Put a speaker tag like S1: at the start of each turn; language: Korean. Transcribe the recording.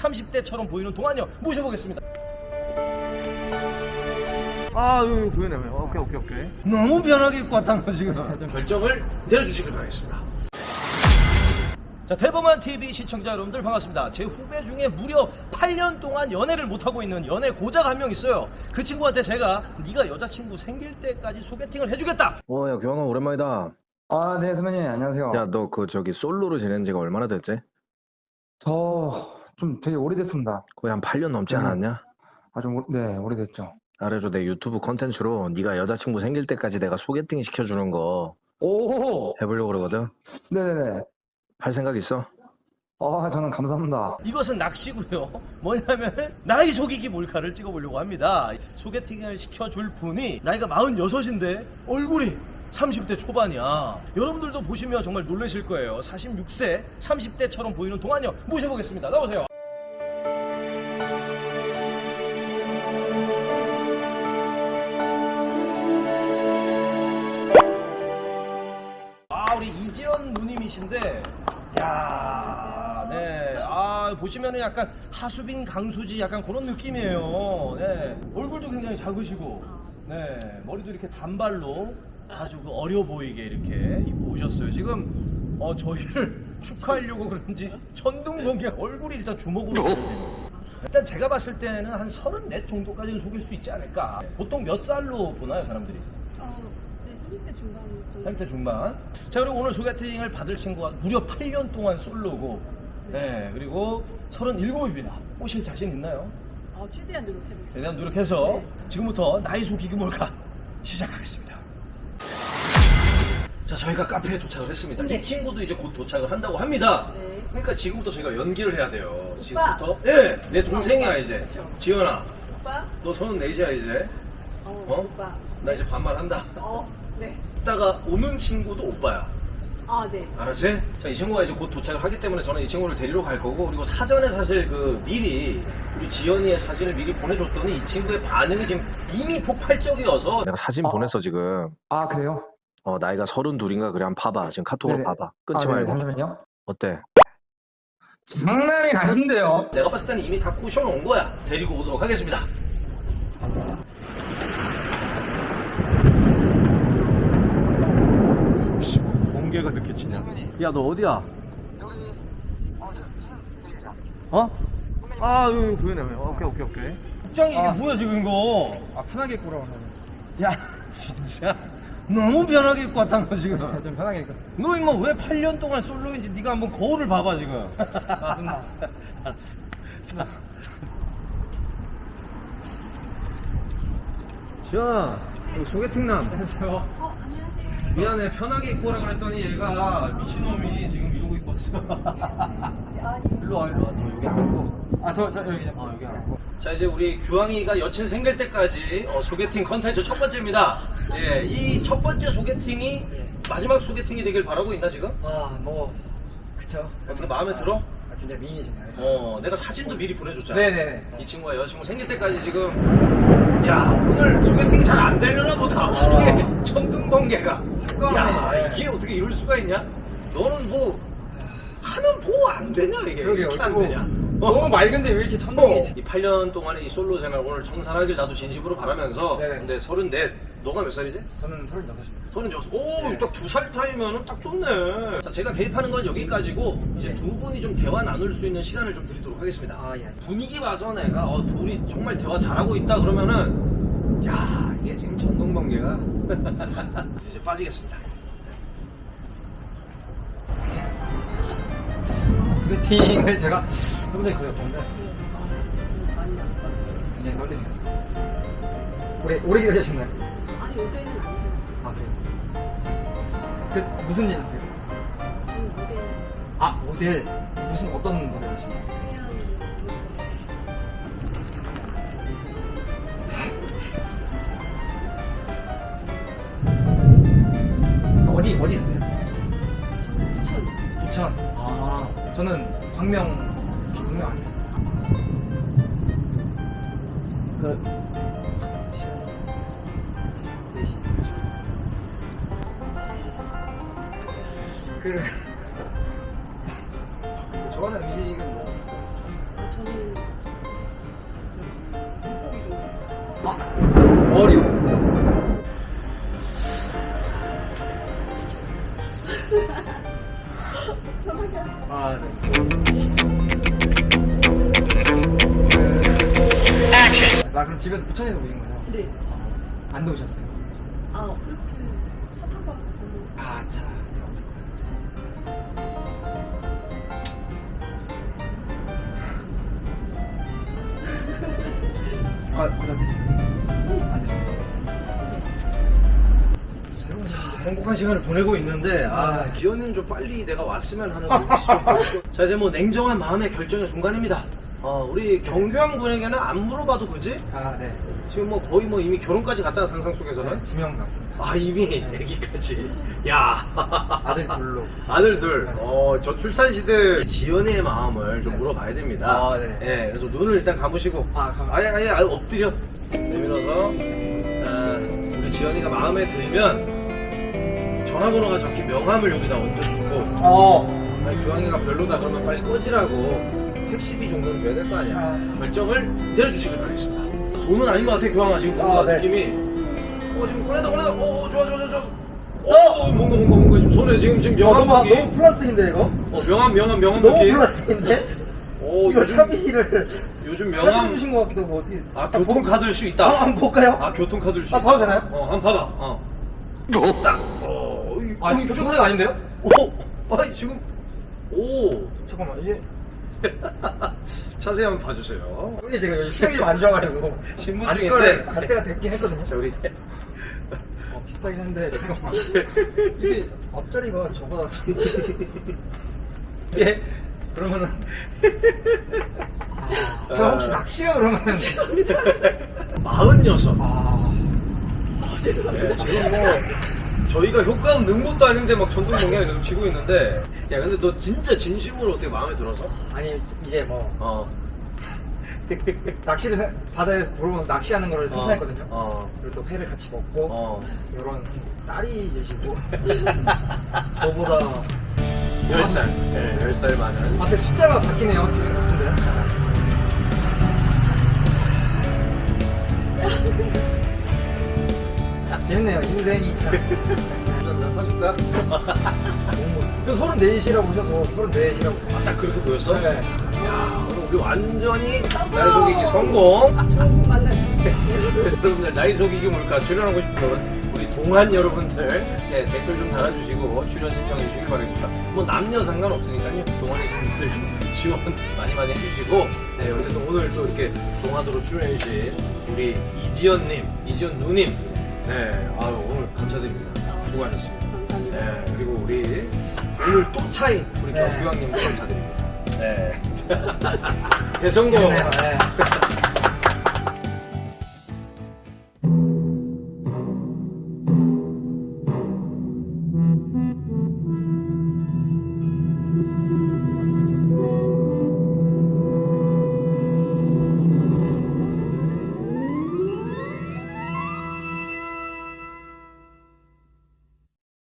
S1: 30대처럼 보이는 동안요 모셔보겠습니다.
S2: 여기 보이네. 오케이.
S1: 너무 편하게 입고 왔다는 거 지금. 결정을 내려주시길 바라겠습니다. 자, 대범한 TV 시청자 여러분들 반갑습니다. 제 후배 중에 무려 8년 동안 연애를 못하고 있는 연애 고자가 한 명 있어요. 그 친구한테 제가 네가 여자친구 생길 때까지 소개팅을 해주겠다.
S3: 야, 규환아, 오랜만이다.
S4: 네, 선배님, 안녕하세요.
S3: 야, 너 솔로로 지낸 지가 얼마나 됐지?
S4: 저 좀 되게 오래됐습니다.
S3: 거의 한 8년 넘지 않았냐?
S4: 네, 오래됐죠.
S3: 그래서 내 유튜브 컨텐츠로 네가 여자친구 생길 때까지 내가 소개팅 시켜주는 거
S4: 오!
S3: 해보려고 그러거든?
S4: 네네네.
S3: 할 생각 있어?
S4: 저는 감사합니다.
S1: 이것은 낚시고요. 뭐냐면 나이 속이기 몰카를 찍어보려고 합니다. 소개팅을 시켜줄 분이 나이가 46인데 얼굴이 30대 초반이야. 여러분들도 보시면 정말 놀라실 거예요. 46세 30대처럼 보이는 동안요 모셔보겠습니다. 나오세요. 우리 이지연 누님이신데, 야, 네, 보시면은 약간 하수빈 강수지 약간 그런 느낌이에요. 네, 얼굴도 굉장히 작으시고, 네, 머리도 이렇게 단발로 아주 어려 보이게 이렇게 입고 오셨어요. 지금 저희를 축하하려고 그런지 천둥번개 얼굴이 일단 주먹으로 보여요. 일단 제가 봤을 때는 한 34 정도까지는 속일 수 있지 않을까. 보통 몇 살로 보나요, 사람들이?
S5: 네, 30대 중반 정도.
S1: 30대 중반. 자, 그리고 오늘 소개팅을 받을 친구가 무려 8년 동안 솔로고, 네, 그리고 37입니다. 꼬실 자신 있나요?
S5: 최대한 노력해볼게요.
S1: 최대한 노력해서 지금부터 나이 속이기 몰카 시작하겠습니다. 자, 저희가 카페에 도착을 했습니다. 이 친구도 이제 곧 도착을 한다고 합니다.
S5: 네.
S1: 그러니까 지금부터 저희가 연기를 해야 돼요. 지금부터. 네, 내 동생이야 이제.
S5: 그쵸.
S1: 지연아,
S5: 오빠?
S1: 너 34이야 이제.
S5: 오빠.
S1: 나 이제 반말한다.
S5: 네.
S1: 이따가 오는 친구도 오빠야.
S5: 네.
S1: 알았지? 자, 이 친구가 이제 곧 도착을 하기 때문에 저는 이 친구를 데리러 갈 거고, 그리고 사전에 사실 미리 우리 지연이의 사진을 미리 보내줬더니 이 친구의 반응이 지금 이미 폭발적이어서
S3: 내가 사진 보냈어, 지금.
S4: 그래요?
S3: 나이가 32인가 그래. 한번 봐봐. 지금 카톡으로
S4: 네네.
S3: 봐봐. 끊지
S4: 네네,
S3: 말고.
S4: 잠시만요.
S3: 어때?
S4: 장난이 아닌데요?
S1: 내가 봤을 때는 이미 다 쿠션 온 거야. 데리고 오도록 하겠습니다. 공개가 느껴지냐? 야, 너 어디야?
S2: 여기 보이네. 오케이.
S1: 복장이 이게 뭐야 지금 이거?
S2: 편하게 입고 오라고.
S1: 야, 진짜 너무 편하게 입고 왔다는 거 지금.
S2: 좀 편하게 입고.
S1: 너 임마 왜 8년 동안 솔로인지 네가 한번 거울을 봐봐 지금.
S2: 맞습니다.
S1: 알았어. 자, 지연아, 여기 소개팅남.
S5: 안녕하세요.
S1: 미안해, 편하게 입고 오라 그랬더니 얘가 미친놈이 지금 이러고 입고 왔어.
S2: 일로 와. 너 여기 앉고. 여기 앉고.
S1: 자, 이제 우리 규황이가 여친 생길 때까지 소개팅 컨텐츠 첫 번째입니다. 예, 이 첫 번째 소개팅이 마지막 소개팅이 되길 바라고 있나 지금?
S2: 그쵸.
S1: 어떻게 마음에 들어?
S2: 굉장히 미인이시네요.
S1: 내가 사진도 미리 보내줬잖아.
S2: 네네네.
S1: 이 친구가 여자친구 생길 때까지 지금, 야, 오늘 소개팅이 잘 안 되려나 보다. 이게 천둥번개가. 야, 이게 어떻게 이럴 수가 있냐? 너는 뭐 하면 뭐 안 되냐 이게?
S2: 그러게요.
S1: 이렇게 안 되냐?
S2: 너무 맑은데 왜 이렇게 천둥이지?
S1: 이 8년 동안의 이 솔로 생활 오늘 청산하길 나도 진심으로 바라면서.
S2: 네네.
S1: 근데 34, 너가 몇 살이지?
S2: 저는 36입니다.
S1: 36. 오, 딱 2살 차이면은 딱 좋네. 자, 제가 개입하는 건 여기까지고, 이제 두 분이 좀 대화 나눌 수 있는 시간을 좀 드리도록 하겠습니다.
S2: 예.
S1: 분위기 봐서 내가, 둘이 정말 대화 잘하고 있다 그러면은, 야, 이게 지금 천둥번개가. 이제 빠지겠습니다.
S2: 소개팅을 제가 해본 적이 거의 없는데
S5: 저도 많이 나빠서.
S2: 굉장히 떨리네요. 오래 기다리셨나요?
S5: 아니, 올해는 아니에요.
S2: 그래요? 무슨 일 하세요?
S5: 저는 모델,
S2: 모델. 무슨 어떤 모델 하시나요?
S5: 하얀
S2: 어디 사세요?
S5: 저는 부천이요.
S2: 부천. 저는 광명 아세요? 좋아하는 음식은 뭐?
S5: 저는
S2: 어류. 아, 네. 나 그럼 집에서 부천에서 오신 거죠?
S5: 네.
S2: 안 더우셨어요?
S5: 아, 그렇게 차 타고 와서 별로.
S2: 아, 차. 과자 드릴게요. 안 드세요? 새로운
S1: 행복한 시간을 보내고 있는데 기현이는 좀 빨리 내가 왔으면 하는 눈빛이 좀 보이고. 자, 이제 뭐 냉정한 마음의 결정의 순간입니다. 우리 경규형 군에게는 안 물어봐도 그지?
S2: 아, 네.
S1: 지금 뭐 거의 뭐 이미 결혼까지 갔잖아, 상상 속에서는.
S2: 네, 2명 갔습니다.
S1: 이미 애기까지. 야.
S2: 아들 둘로.
S1: 아들 둘. 저출산 시대 지연이의 마음을 좀
S2: 네.
S1: 물어봐야 됩니다.
S2: 아, 네.
S1: 예, 그래서 눈을 일단 감으시고. 아예 엎드려. 내밀어서. 우리 지연이가 마음에 들면 전화번호가 적힌 명함을 여기다 얹어주고. 아니, 주황이가 별로다 그러면 빨리 꺼지라고 택시비 정도는 줘야 될 거 아니야. 결정을 내려주시길 바라겠습니다. 돈은 아닌 것 같아, 규황아. 지금 뭔가
S2: 네.
S1: 느낌이. 지금 꺼내다. 좋아. 뭔가 지금 손에 지금 명함
S2: 너무 플라스틱인데 이거?
S1: 명함
S2: 너무
S1: 느낌.
S2: 플라스틱인데?
S1: 이거
S2: 이거 차비를
S1: 요즘
S2: 카드
S1: 명함.
S2: 주신 것 같기도 하고 어떻게?
S1: 교통카드일 수 있다.
S2: 한번 볼까요?
S1: 교통카드일 수
S2: 아,
S1: 있다.
S2: 봐도 되나요?
S1: 한번 봐봐. 딱.
S2: 이거 교통카드가 아닌데요?
S1: 지금. 오.
S2: 잠깐만 이게
S1: 자세히 한번 봐주세요.
S2: 형님 제가 여기 시력이 좀 안 좋아가지고
S1: 신분증인데.
S2: 갈 때가 됐긴 했거든요.
S1: 자, 우리.
S2: 비슷하긴 한데 잠깐만 이게 앞자리가 저보다
S1: 예.
S2: 그러면은 저 혹시 낚시요 그러면은
S1: 죄송합니다. 46.
S5: 죄송합니다.
S1: 네, 지금 뭐 저희가 효과음 넣은 것도 아닌데 막 전동 공약이 계속 치고 있는데. 야, 근데 너 진짜 진심으로 어떻게 마음에 들어서?
S2: 아니 이제 뭐 낚시를 바다에서 보러면서 낚시하는 거를 생각했거든요. 그리고 또 회를 같이 먹고 이런 딸이 계시고 저보다
S1: 10살. 네, 10살 많은.
S2: 앞에 숫자가 바뀌네요. 기분 같은데요? 재밌네요. 인생이 참.
S1: 사줄까?
S2: 저 34이라고 오셔서 34이라고.
S1: 딱 그렇게 보였어?
S2: 네.
S1: 야, 오늘 우리 완전히 나이 속이기 성공.
S5: 처음 만나서.
S1: 여러분들 나이 속이기 뭘까 출연하고 싶은 우리 동안 여러분들 댓글 좀 달아주시고 출연 신청해 주시길 바라겠습니다. 뭐 남녀 상관없으니까요. 동안이신 분들 좀 지원 많이 해주시고. 네, 어쨌든 오늘 또 이렇게 동안으로 출연해 주신 우리 이지연 누님. 네, 오늘 감사드립니다. 수고하셨습니다.
S5: 감사합니다.
S1: 네, 그리고 우리 오늘 또 차인 우리 경규왕님도 감사드립니다. 네. 대성공.
S2: 네.